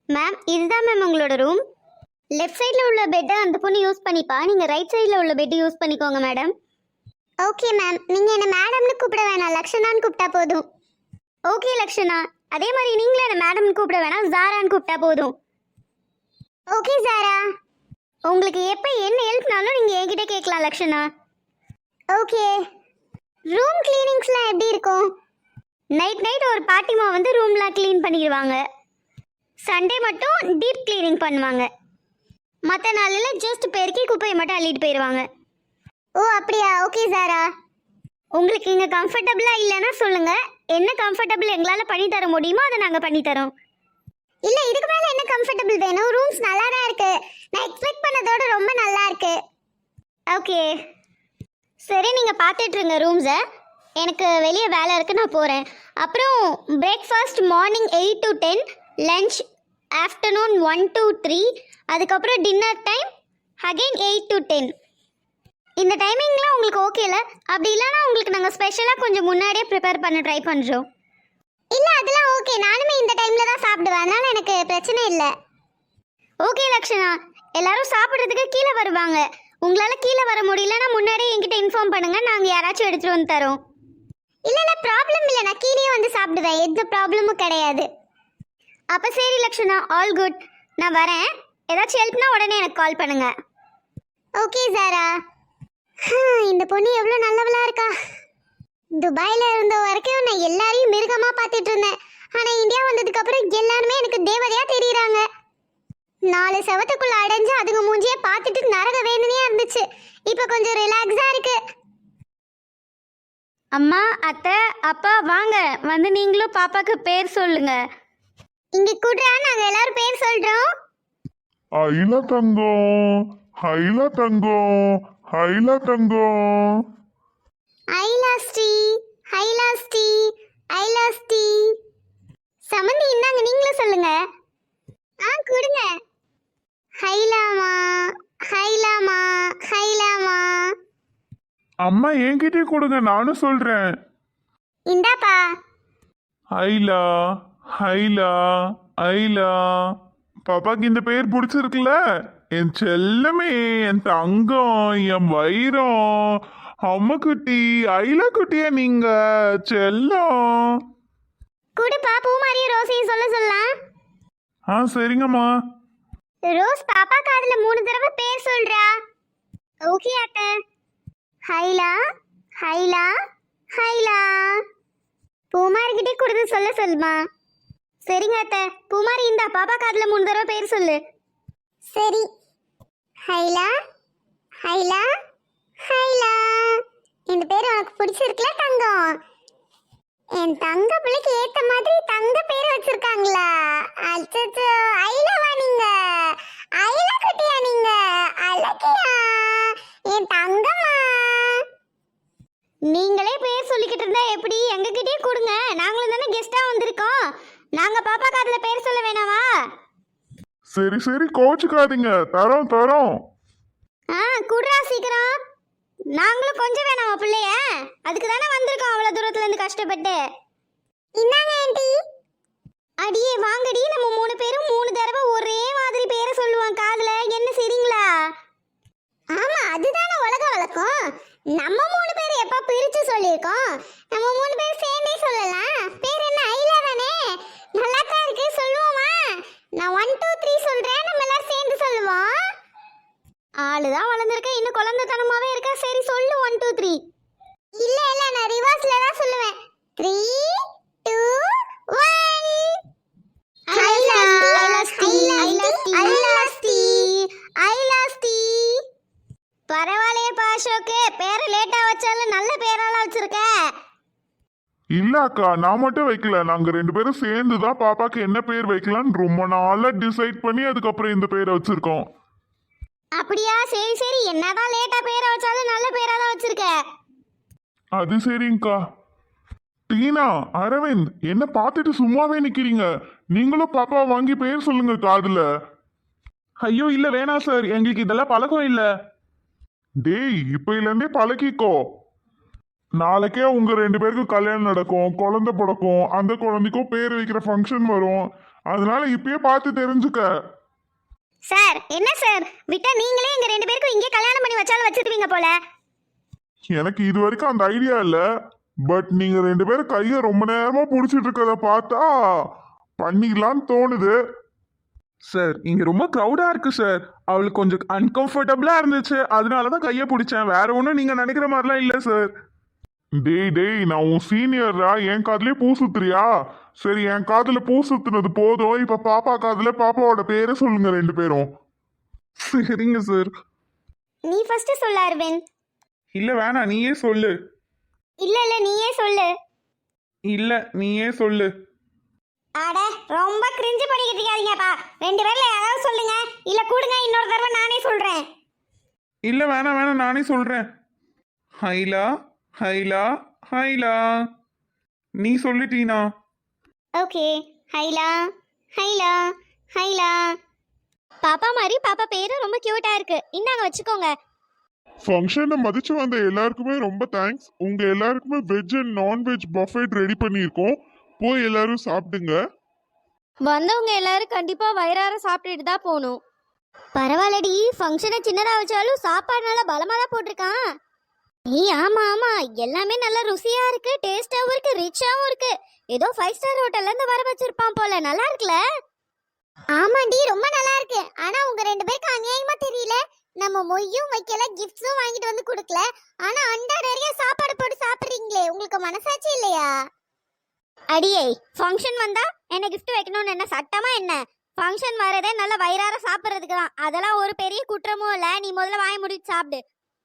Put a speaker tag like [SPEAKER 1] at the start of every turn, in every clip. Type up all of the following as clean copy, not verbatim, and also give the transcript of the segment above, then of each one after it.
[SPEAKER 1] Ma'am இதுதான் ma'am உங்களோட room. Left சைடில் உள்ள பெட்டை அந்த பொண்ணு யூஸ் பண்ணிப்பா, நீங்கள் ரைட் சைடில் உள்ள பெட்டு யூஸ் பண்ணிக்கோங்க மேடம். ஓகே மேம், நீங்கள் என்ன மேடம்னு கூப்பிட வேணாம், லக்ஷனான்னு கூப்பிட்டா போதும். ஓகே லக்ஷனா, அதே மாதிரி நீங்களும் என்ன மேடம்னு கூப்பிட வேணாம், ஜாரான்னு கூப்பிட்டா போதும். ஓகே ஜாரா. உங்களுக்கு எப்போ என்ன ஹெல்ப்னாலும் நீங்கள் என்கிட்ட கேட்கலாம் லக்ஷனா. ஓகே. ரூம் கிளீனிங்ஸ்லாம் எப்படி இருக்கும்? நைட் ஒரு பாட்டிமா வந்து ரூம்லாம் க்ளீன் பண்ணிடுவாங்க. சண்டே மட்டும் டீப் க்ளீனிங் பண்ணுவாங்க. மற்ற நாளில் ஜஸ்ட் பெருக்கி குப்பையை மட்டும் அள்ளிட்டு போயிடுவாங்க. ஓ அப்படியா? ஓகே சாரா. உங்களுக்கு இங்கே கம்ஃபர்டபுளாக இல்லைன்னா சொல்லுங்கள், என்ன கம்ஃபர்டபுள் எங்களால் பண்ணி தர முடியுமோ அதை நாங்கள் பண்ணித்தரோம். இல்லை இதுக்கு மேலே என்ன கம்ஃபர்டபுள் வேணும்? ரூம்ஸ் நல்லா தான் இருக்கு, நான் எக்ஸ்பெக்ட் பண்ணதோட ரொம்ப நல்லா இருக்கு. ஓகே சரி, நீங்கள் பார்த்துட்ருங்க ரூம்ஸை, எனக்கு வெளியே வேலை இருக்குது, நான் போகிறேன். அப்புறம் breakfast morning 8 to 10, lunch afternoon 1 to 3, அதுக்கப்புறம் டின்னர் டைம் அகெயின் 8 to 10. இந்த டைமிங்லாம் உங்களுக்கு ஓகேல? அப்படி இல்லைனா உங்களுக்கு நாங்கள் ஸ்பெஷலாக கொஞ்சம் முன்னாடியே ப்ரிப்பேர் பண்ண ட்ரை பண்ணுறோம். இல்லை அதெல்லாம் ஓகே, நானுமே இந்த டைமில் தான் சாப்பிடுவேன், அதனால் எனக்கு பிரச்சனை இல்லை. ஓகே லக்ஷனா, எல்லாரும் சாப்பிட்றதுக்கு கீழே வருவாங்க. உங்களால் கீழே வர முடியலன்னா முன்னாடியே என்கிட்ட இன்ஃபார்ம் பண்ணுங்கள், நாங்கள் யாராச்சும் எடுத்துகிட்டு வந்து தரோம். இல்லை ப்ராப்ளம் இல்லை, நான் கீழே வந்து சாப்பிடுவேன், எந்த ப்ராப்ளமும் கிடையாது. அப்போ சரி லக்ஷனா, ஆல் குட், நான் வரேன். ஏதாச்சும் ஹெல்ப்னா உடனே எனக்கு கால் பண்ணுங்க. ஓகே சாரா. இந்த பொண்ணு எவ்வளோ நல்லவளா இருக்கா. துபாயில் இருந்த வரைக்கும் நான் எல்லாரையும் மிருகமாக பார்த்துட்டு இருந்தேன், ஆனால் இந்தியா வந்ததுக்கு அப்புறம் எல்லாருமே எனக்கு தேவதையாக தெரியுறாங்க. 4 செவத்துக்குள்ள அடைஞ்சு அதுங்க மூஞ்சியே பார்த்துட்டு நரக வேதனையாக இருந்துச்சு. இப்போ கொஞ்சம் ரிலாக்ஸாக இருக்கு. அம்மா, அத்தை, அப்பா வாங்க, வந்து நீங்களும் பாப்பாக்கு பேர் சொல்லுங்க. இங்க கூடுறா, நாங்க எல்லாரும் பேர் சொல்றோம்.
[SPEAKER 2] ஐலா தங்கம், ஐலா தங்கம், ஐலா தங்கம்.
[SPEAKER 1] ஐலாஸ்டி, ஐலாஸ்டி, ஐலாஸ்டி. சமந்தி இந்தாங்க, நீங்களும் சொல்லுங்க. கொடுங்க. ஹைலாமா, ஹைலாமா, ஹைலாமா.
[SPEAKER 2] அம்மா என்கிட்டே கொடுங்க, நானும் சொல்றேன்.
[SPEAKER 1] இந்தாப்பா.
[SPEAKER 2] ஐலா, ஐலா, ஐலா. பாப்பாக்கு இந்த பேர் பிடிச்சிருக்குல்ல? என் செல்லமே, என் தங்கம், என் வைரம், அம்மா குட்டி, ஐலா குட்டியா நீங்க செல்லம்.
[SPEAKER 1] குடுப்பா, பூமாரியும் ரோஸையும் சொல்ல சொல்லலாம்.
[SPEAKER 2] சரிங்கம்மா.
[SPEAKER 1] ரோஸ் பாப்பா காதுல 3 தடவை பேர் சொல்றா. ஓகே அத்தை. ஹைலா, ஹைலா, ஹைலா. பூமாரிக்கிட்டே கொடுத்து சொல்ல சொல்லுமா. சரிங்க அத்தை. பூமாரி இந்தா, பாப்பா காதுல 3 தடவை பேர் சொல்லு. சரி. ஹைலா, ஹைலா, ஹைலா. இந்த பேர் உனக்கு பிடிச்சிருக்குல தங்கம்? என் தங்க பிள்ளைக்கு ஏத்த மாதிரி தங்க பேர் வச்சிருக்காங்களா? அச்சச்சோ, ஐலாவா நீங்க? ஐலா குட்டியா நீங்க? அழகியா என் தங்கம்மா. நீங்களே பேர் சொல்லிக்கிட்டு இருந்தா எப்படி? எங்ககிட்டயே கொடுங்க, நாங்களும் தானே கெஸ்டா வந்திருக்கோம். நாங்க பாப்பா காதுல பேர் சொல்ல வேணாமா?
[SPEAKER 2] சரி சரி, கோச்சுக்காதீங்க, தரோம் தரோம்.
[SPEAKER 1] குடுறா சீக்கிரம். நாங்களும் கொஞ்சம் வேணாமா பிள்ளைய? அதுக்கு தானே வந்திருக்கோம் அவ்வளோ தூரத்துல இருந்து கஷ்டப்பட்டு. இந்தாங்க ஆண்டி. அடியே வாங்கடி, நம்ம 3 பேரும் 3 தடவை ஒரே மாதிரி பேரை சொல்லுவோம் காதுல, என்ன சரிங்களா? ஆமா, அதுதானே உலக வழக்கம். நம்ம 3 பேர் எப்ப பிரிச்சு சொல்லியிருக்கோம், நம்ம 3 பேர் சேர்ந்தே சொல்லலாம். பேர் என்ன? ஐலா தானே? நல்லா தான் இருக்கு, சொல்லுவோமா? நான் 1 2 3 சொல்றேன், நம்ம எல்லாரும் சேர்ந்து சொல்லுவோம். ஆளுதான் வளர்ந்துருக்க, இன்னும் குழந்தைத்தனமாவே இருக்க. சரி சொல்லு, 1 2 3. இல்ல நான் ரிவர்ஸ்ல தான் சொல்லுவேன். 3 2 1. ஐலாஸ்டி, ஐலாஸ்டி, ஐலாஸ்டி. பரவாயில்லையே பாஷோக்கு, பேரை லேட்டா வச்சாலும் நல்ல பேரெல்லாம் வச்சிருக்க.
[SPEAKER 2] இல்ல அக்கா, நான் மட்டும் வைக்கல, நாங்க 2 பேரும் சேர்ந்து தான் பாப்பாக்கு என்ன பேர் வைக்கலாம்னு ரொம்ப நாளா டிசைட் பண்ணி அதுக்கப்புறம் இந்த பேரை வச்சிருக்கோம்.
[SPEAKER 1] அப்படியா? சரி சரி, என்னதான் லேட்டா பேரை வச்சாலும் நல்ல பேரா தான் வச்சிருக்க.
[SPEAKER 2] அது சரிங்கக்கா. டீனா, அரவிந்த், என்ன பார்த்துட்டு சும்மாவே நிக்கிறீங்க? நீங்களும் பாப்பா வாங்கி பேர் சொல்லுங்க காதுல. ஐயோ இல்ல வேணாம் சார், எங்களுக்கு இதெல்லாம் பழக்கம் இல்ல. டேய், இப்பையில இருந்தே பழகிக்கோ. நாளைக்கே உங்க 2 பேருக்கும் கல்யாணம் நடக்கும், குழந்தை பிறக்கும், அந்த குழந்தைக்கும் பேர் வைக்கிற ஃபங்க்ஷன் வரும். அதனால இப்பயே பார்த்து தெரிஞ்சுக்க.
[SPEAKER 1] சார் என்ன சார் விட்டா நீங்களே எங்க ரெண்டு பேருக்கும் இங்கே கல்யாணம் பண்ணி வச்சாலும் வச்சிருவீங்க போல.
[SPEAKER 2] எனக்கு இது வரைக்கும் அந்த ஐடியா இல்ல. பட் நீங்க ரெண்டு பேரும் கைய ரொம்ப நேரமா புடிச்சிட்டு இருக்கத பார்த்தா பண்ணிக்கலாம்னு தோணுது.
[SPEAKER 3] சார் இங்க ரொம்ப க்ரௌடா இருக்கு சார். அவளுக்கு கொஞ்சம் அன்கம்ஃபர்டபுளா இருந்துச்சு, அதனாலதான் கையை பிடிச்சேன். வேற ஒன்றும் நீங்க நினைக்கிற மாதிரிலாம் இல்ல சார்.
[SPEAKER 2] டேய் நான் உன் சீனியரா, என் காதுலயே பூ சுத்துறியா? சரி, என் காதுல பூ சுத்துனது போதும். இப்ப பாப்பா காதுல பாப்பாவோட பேரை சொல்லுங்க ரெண்டு பேரும்.
[SPEAKER 3] சரிங்க சார்.
[SPEAKER 1] நீ ஃபர்ஸ்ட் சொல்ல அரவிந்த்.
[SPEAKER 3] இல்ல வேணாம், நீயே சொல்லு.
[SPEAKER 1] இல்ல இல்ல நீயே சொல்லு.
[SPEAKER 3] இல்ல நீயே சொல்லு.
[SPEAKER 1] அட ரொம்ப கிரிஞ்சு பண்ணிக்கிட்டு இருக்காதீங்கப்பா. ரெண்டு பேர்ல யாராவது சொல்லுங்க, இல்ல கூடுங்க இன்னொரு தடவை நானே சொல்றேன்.
[SPEAKER 3] இல்ல வேணாம் வேணாம், நானே சொல்றேன். ஹைலா ஹைலா ஹைலா. நீ சொல்லிட்டீனா?
[SPEAKER 1] ஓகே. ஹைலா ஹைலா ஹைலா. பாப்பா மாதிரி பாப்பா பேரு ரொம்ப கியூட்டா இருக்கு. இந்தாங்க வச்சுக்கோங்க.
[SPEAKER 2] ஃபங்க்ஷனை மதிச்சு வந்த எல்லாருக்குமே ரொம்ப தேங்க்ஸ். உங்க எல்லாருக்குமே veg and nonveg buffet ready பண்ணியிருக்கோம். போய் எல்லாரும் சாப்பிடுங்க.
[SPEAKER 4] வந்தவங்க எல்லாரும் கண்டிப்பா வயிறார சாப்பிட்டுட்டு தான் போகணும்.
[SPEAKER 1] பரவாயில்லடி, ஃபங்க்ஷனை சின்னதா வச்சாலும் சாப்பாடு நல்லா பலமா தான் போட்டிருக்கான். ஏய் ஆமா ஆமா, எல்லாமே நல்லா ருசியா இருக்கு, டேஸ்டாவும் இருக்கு, ரிச்சாவும் இருக்கு. ஏதோ 5 ஸ்டார் ஹோட்டல்ல இருந்து வர வச்சிருப்பான் போல. நல்லா இருக்குல்ல? ஆமாண்டி ரொம்ப நல்லா இருக்கு. ஆனா உங்க ரெண்டு பேருக்கு அநியாயமா தெரியல. நம்ம மொய்யும் வைக்கல, கிஃப்ட்ஸும் வாங்கிட்டு வந்து கொடுக்கல. ஆனா அண்டா நிறைய சாப்பாடு போட்டு சாப்பிடுறீங்களே, உங்களுக்கு மனசாட்சி இல்லையா? அடியே, ஃபங்க்ஷன் வந்தா என்ன gift வைக்கணும்னு என்ன சட்டமா என்ன? ஃபங்க்ஷன் வரதே நல்ல வயிறார சாப்பிட்றதுக்கு தான். அதெல்லாம் ஒரு பெரிய குற்றமும் இல்லை. நீ முதல்ல வாய் முடிச்சு சாப்பிடு.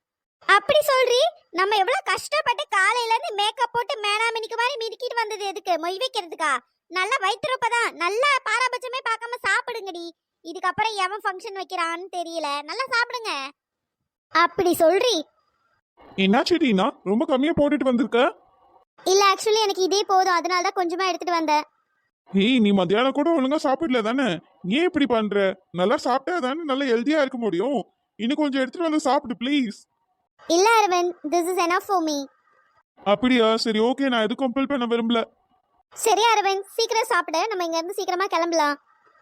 [SPEAKER 1] அப்படி சொல்றீ? நம்ம எவ்வளவு கஷ்டப்பட்டு காலையில இருந்து மேக்கப் போட்டு மேனாமினிக்கு மாதிரி மிதிக்கிட்டு வந்தது எதுக்கு? மொய் வைக்கிறதுக்கா? நல்லா வயிற்றுப்பதான். நல்லா பாராபட்சமே பார்க்காம சாப்பிடுங்கடி. இதுக்கப்புறம் எவன் ஃபங்க்ஷன் வைக்கிறான்னு தெரியல. நல்லா சாப்பிடுங்க. அப்படி சொல்றீ?
[SPEAKER 3] என்னாச்சு டீனா, ரொம்ப கம்மியா போட்டுட்டு வந்திருக்க?
[SPEAKER 1] இல்ல ஆக்சுவலி எனக்கு இதே போதும், அதனால தான் கொஞ்சமா எடுத்துட்டு வந்தேன்.
[SPEAKER 3] ஏய், நீ மத்தியானம் கூட ஒழுங்கா சாப்பிடல தானே? ஏன் இப்படி பண்ற? நல்லா சாப்பிட்டா தானே நல்லா ஹெல்தியா இருக்க முடியும். இன்னும் கொஞ்சம் எடுத்துட்டு வந்து சாப்பிடு ப்ளீஸ்.
[SPEAKER 1] இல்ல Aravind, this is enough for me.
[SPEAKER 3] அப்படியா? சரி ஓகே, நான் எதுவும் கம்பல் பண்ண விரும்பல.
[SPEAKER 1] சரி அரவிந்த், சீக்கிரம் சாப்பிடு. நம்ம இங்க இருந்து சீக்கிரமா கிளம்பலாம்.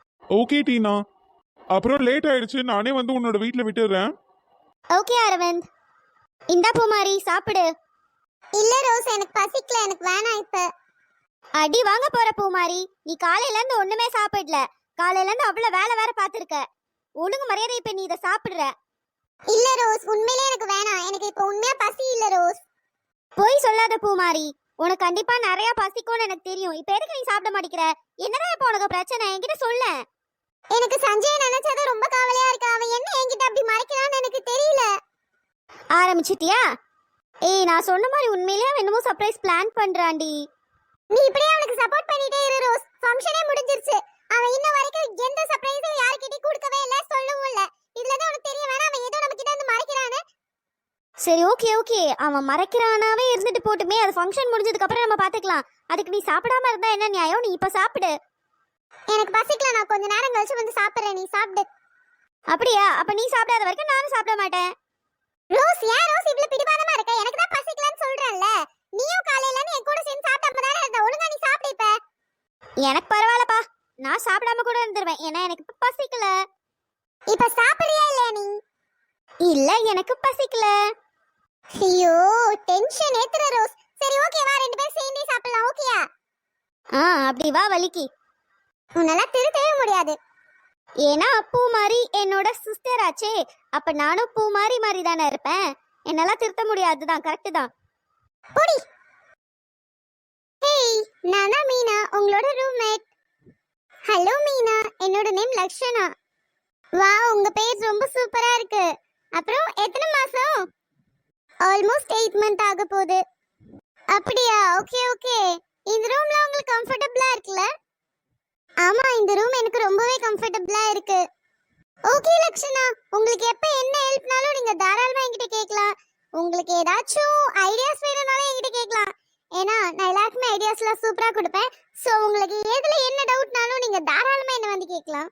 [SPEAKER 3] ஓகே டீனா, அப்புறம் லேட் ஆயிடுச்சு, நானே வந்து உன்னோட வீட்டில் விட்டுடுறேன்.
[SPEAKER 1] ஓகே அரவிந்த். இந்தா பூமாரி சாப்பிடு. இல்ல ரோஸ், எனக்கு பசிக்கல, எனக்கு வேணாம் இப்ப. அடி வாங்க போற பூமாரி. நீ காலையில இருந்து ஒண்ணுமே சாப்பிடல. காலையில இருந்து அவ்வளவு வேலை வேற பாத்துருக்க. ஒழுங்கு மரியாதை இப்ப நீ இதை சாப்பிடுற. இல்ல ரோஸ், உண்மையிலே எனக்கு வேணாம். எனக்கு இப்ப உண்மையா பசி இல்ல ரோஸ். போய் சொல்லாத பூமாரி. உனக்கு கண்டிப்பா நிறைய பசிக்கும்னு எனக்கு தெரியும். இப்ப எதுக்கு நீ சாப்பிட மாட்டேங்கிற? என்னதான் இப்ப உனக்கு பிரச்சனை? என்கிட்ட சொல்ல. எனக்கு சஞ்சய் நினைச்சது ரொம்ப கவலையா இருக்கு. அவன் என்ன என்கிட்ட அப்படி மறைக்கிறான்னு எனக்கு தெரியல. ஆரம்பிச்சிட்டியா? ஏய், நான் சொன்ன மாதிரி உண்மையிலேயே அவன் என்னமோ சர்ப்ரைஸ் பிளான் பண்றான்டி. நீ இப்படியே அவனுக்கு சப்போர்ட் பண்ணிட்டே இரு ரோஸ். ஃபங்க்ஷனே முடிஞ்சிருச்சு. அவன் இன்ன வரைக்கும் எந்த சர்ப்ரைஸும் யார்கிட்டயும் கொடுக்கவே இல்ல, சொல்லவும் இல்ல. இதுல தான் உனக்கு தெரிய வேணா அவன் ஏதோ நம்ம கிட்ட வந்து மறைக்கிறானே. சரி ஓகே ஓகே, அவன் மறைக்கிறானாவே இருந்துட்டு போட்டுமே. அது ஃபங்க்ஷன் முடிஞ்சதுக்கு அப்புறம் நம்ம பாத்துக்கலாம். அதுக்கு நீ சாப்பிடாம இருந்தா என்ன நியாயம்? நீ இப்ப சாப்பிடு. எனக்கு பசிக்கல, நான் கொஞ்ச நேரம் கழிச்சு வந்து சாப்பிடுறேன். நீ சாப்பிடு. அப்படியா? அப்ப நீ சாப்பிடாத வரைக்கும் நானும் சாப்பிட மாட்டேன். ரோஸ், ஏன் ரோஸ் இவ்ளோ பிடிவாதமா இருக்க? எனக்கு தான் பசிக்கலன்னு சொல்றேன்ல. நீயும் காலையில இருந்து என் கூட சேர்ந்து சாப்பிடாம தானே இருந்த. ஒழுங்கா நீ சாப்பிடு இப்ப. எனக்கு பரவாயில்லப்பா, நான் சாப்பிடாம கூட இருந்துருவேன். ஏன்னா எனக்கு இப்ப பசிக்கல. இப்ப சாப்பிடுறியா இல்லையா நீ? இல்ல, எனக்கு பசிக்கல. ஐயோ, டென்ஷன் ஏத்துற ரோஸ். சரி ஓகே, வா ரெண்டு பேரும் சேர்ந்தே சாப்பிடலாம். ஓகேயா? அப்படி வா வலிக்கு. உன்னால திருத்தவே முடியாது. ஏன்னா பூ மாதிரி என்னோட சிஸ்டர் ஆச்சே. அப்ப நானும் பூ மாதிரி தானே இருப்பேன். என்னால திருத்த முடியாதுதான். கரெக்ட் தான். போடி. ஹேய், நான் தான் மீனா, உங்களோட ரூம்மேட். ஹலோ மீனா, என்னோட நேம் லக்ஷனா. வா, உங்க பேர் ரொம்ப சூப்பரா இருக்கு. அப்புறம் எத்தனை மாசம்? ஆல்மோஸ்ட் 8 மந்த் ஆக போகுது. அப்படியா? Okay okay. இந்த ரூம்ல உங்களுக்கு கம்ஃபர்ட்டபிளா இருக்குல்ல? ஆமா, இந்த ரூம் எனக்கு ரொம்பவே கம்ஃபர்ட்டபிளா இருக்கு. ஓகே லக்ஷனா, உங்களுக்கு எப்ப என்ன ஹெல்ப்னாலும் நீங்க தாராளமா என்கிட்ட கேட்கலாம். உங்களுக்கு ஏதாச்சும் ஐடியாஸ் வேணும்னாலும் என்கிட்ட கேட்கலாம். ஏன்னா நான் எல்லாருக்குமே ஐடியாஸ்லாம் சூப்பரா கொடுப்பேன். ஸோ உங்களுக்கு எதுல என்ன டவுட்னாலும் நீங்க தாராளமா என்ன வந்து கேட்கலாம்.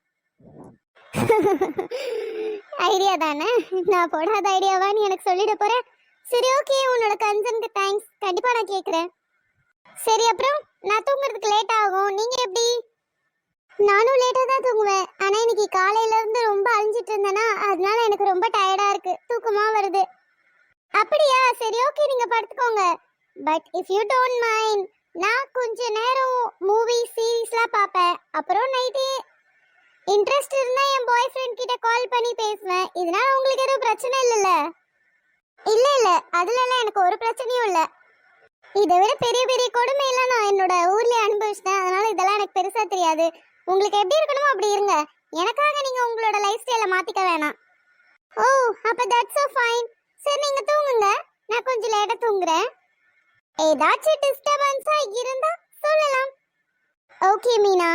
[SPEAKER 1] ஐடியா தானே? நான் போடாத ஐடியாவான்னு எனக்கு சொல்லிட போறேன். சரி ஓகே, உன்னோட கன்சர்னுக்கு தேங்க்ஸ். கண்டிப்பா நான் கேட்குறேன். சரி, அப்புறம் நான் தூங்குறதுக்கு லேட் ஆகும். நீங்க எப்படி? நானும் லேட்டா தான் தூங்குவேன். ஆனா இன்னைக்கு காலையில இருந்து ரொம்ப அழிஞ்சிட்டு இருந்தேனா, அதனால எனக்கு ரொம்ப டயர்டா இருக்கு. தூக்கமா வருது. அப்படியா? சரி, ஓகே, நீங்க படுத்துக்கோங்க. But if you don't mind, நான் கொஞ்ச நேரம் மூவி சீரிஸ்லாம் பார்ப்பேன். அப்புறம் நைட்டு இன்ட்ரெஸ்ட் இருந்தா என் பாய் ஃப்ரெண்ட் கிட்ட கால் பண்ணி பேசுவேன். இதனால உங்களுக்கு எதுவும் பிரச்சனை இல்லைல்ல? இல்ல இல்ல, அதுலலாம் எனக்கு ஒரு பிரச்சனையும் இல்ல. இதை விட பெரிய பெரிய கொடுமையெல்லாம் நான் என்னோட ஊர்லயே அனுபவிச்சிட்டேன். அதனால இதெல்லாம் எனக்கு பெருசா தெரியாது. உங்களுக்கு எப்படி இருக்கணுமோ அப்படி இருங்க. எனக்காக நீங்க உங்களோட லைஃப் ஸ்டைலை மாத்திக்க வேணாம். ஓ, அப்ப தட்ஸ் so ஃபைன். சரி, நீங்க தூங்குங்க. நான் கொஞ்சம் லேட்டா தூங்குறேன். ஏதாச்சும் டிஸ்டர்பன்ஸா இருந்தா சொல்லலாம். ஓகே மீனா.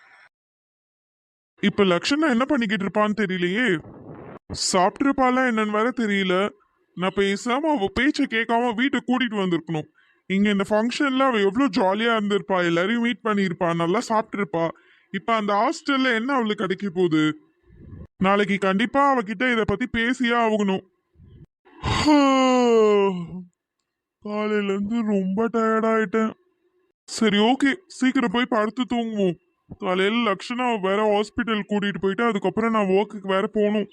[SPEAKER 2] இப்ப லக்ஷனா என்ன பண்ணிக்கிட்டு இருப்பான்னு தெரியலையே. சாப்பிட்டுருப்பாளா என்னன்னு வேற தெரியல. நான் பேசாம அவ பேச்சை கேட்காம வீட்டுக்கு கூட்டிட்டு வந்திருக்கணும். இங்க இந்த ஃபங்க்ஷன்ல அவ எவ்வளவு ஜாலியா இருந்திருப்பா, எல்லாரையும் மீட் பண்ணியிருப்பா, நல்லா சாப்பிட்டிருப்பா. இப்ப அந்த ஹாஸ்டல்ல என்ன அவளுக்கு கிடைக்க போகுது? நாளைக்கு கண்டிப்பா அவகிட்ட இத பத்தி பேசியே ஆகணும். காலையில இருந்து ரொம்ப டயர்ட் ஆயிட்டேன். சரி, ஓகே, சீக்கிரம் போய் படுத்து தூங்குவோம். காலையில லக்ஷனா வேற ஹாஸ்பிட்டல் கூட்டிட்டு போயிட்டு அதுக்கப்புறம் நான் ஒர்க்குக்கு வேற போகணும்.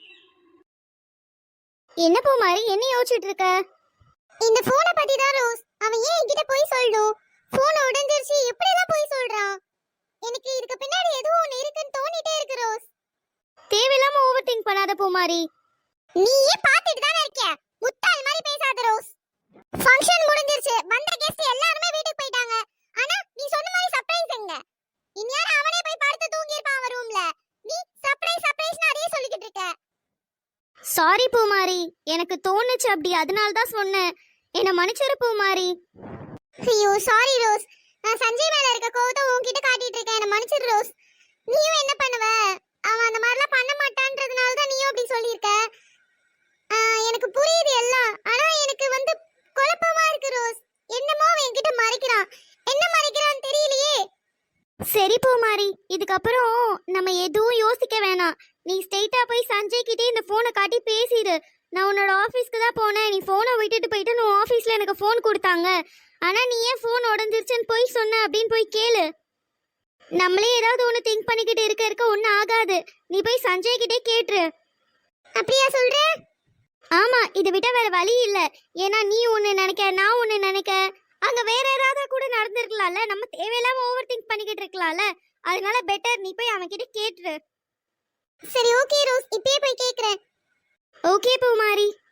[SPEAKER 1] என்ன பூமாரி, என்ன யோசிச்சுட்டு இருக்க? இந்த போனை பத்தி தான் ரோஸ். அவன் ஏன் என்கிட்ட போய் சொல்லணும்? போன் உடைஞ்சிருச்சு, எப்படி எல்லாம் போய் சொல்றான்? எனக்கு இதுக்கு பின்னாடி ஏதோ ஒன்னு இருக்குன்னு தோணிட்டே இருக்கு ரோஸ்.
[SPEAKER 4] தேவையில்லாம ஓவர் திங்க் பண்ணாத பூமாரி.
[SPEAKER 1] நீயே பாத்துட்டு தானே இருக்க. முட்டாள் மாதிரி பேசாத ரோஸ். ஃபங்க்ஷன் முடிஞ்சிருச்சு, வந்த கெஸ்ட் எல்லாரும் வீட்டுக்கு போயிட்டாங்க. ஆனா நீ சொன்ன மாதிரி சர்ப்ரைஸ் எங்க? இனியார அவனே போய் படுத்து தூங்கி இருப்பான் அவன் ரூம்ல. நீ சர்ப்ரைஸ் அதே சொல்லிக்கிட்டு இருக்க.
[SPEAKER 4] சாரி பூமாரி, எனக்கு தோணுச்சு அப்படி, அதனால தான் சொன்னேன். என்ன மன்னிச்சிரு பூமாரி.
[SPEAKER 1] ஐயோ சாரி ரோஸ். நான் சஞ்சய் மேல இருக்க கோவத்தை உன்கிட்ட காட்டிட்டு இருக்கேன். என்ன மன்னிச்சிரு ரோஸ். நீயும் என்ன பண்ணுவ? அவன் அந்த மாதிரிலாம் பண்ண மாட்டான்றதுனால தான் நீயும் அப்படி சொல்லியிருக்க. எனக்கு புரியுது எல்லாம். ஆனா எனக்கு வந்து குழப்பமா இருக்கு ரோஸ். என்னமோ அவன் என்கிட்ட மறைக்கிறான். என்ன மறைக்கிறான்னு தெரியலையே.
[SPEAKER 4] சரி பூமாரி, இதுக்கப்புறம் நம்ம எதுவும் யோசிக்க வேணாம். நீ ஸ்ட்ரெயிட்டா போய் சஞ்சய் கிட்டே இந்த போனை காட்டி பேசிடு. நான் உன்னோட ஆஃபீஸ்க்கு தான் போனேன், நீ போனை விட்டுட்டு போயிட்டு உன் ஆஃபீஸ்ல எனக்கு ஃபோன் கொடுத்தாங்க, ஆனா நீ ஏன் ஃபோன் உடஞ்சிருச்சுன்னு போய் சொன்ன அப்படின்னு போய் கேளு. நம்மளே ஏதாவது ஒன்று திங்க் பண்ணிக்கிட்டு இருக்க ஒன்றும் ஆகாது. நீ போய் சஞ்சய் கிட்டே கேட்டுரு.
[SPEAKER 1] அப்படியா சொல்ற?
[SPEAKER 4] ஆமா, இதை விட்ட வேற வழி இல்லை. ஏன்னா நீ ஒன்று நினைக்க, நான் ஒன்று நினைக்க, அங்க வேற ஏதாவது கூட நடந்திருக்கலாம்ல. நம்ம தேவையில்லாம ஓவர் திங்க் பண்ணிக்கிட்டு இருக்கலாம்ல. அதனால பெட்டர் நீ போய் அவன் கிட்ட கேட்டுரு.
[SPEAKER 1] சரி, ஓகே ரோஸ், இப்பயே போய் கேக்குறேன்.
[SPEAKER 4] ஓகே பூமாரி.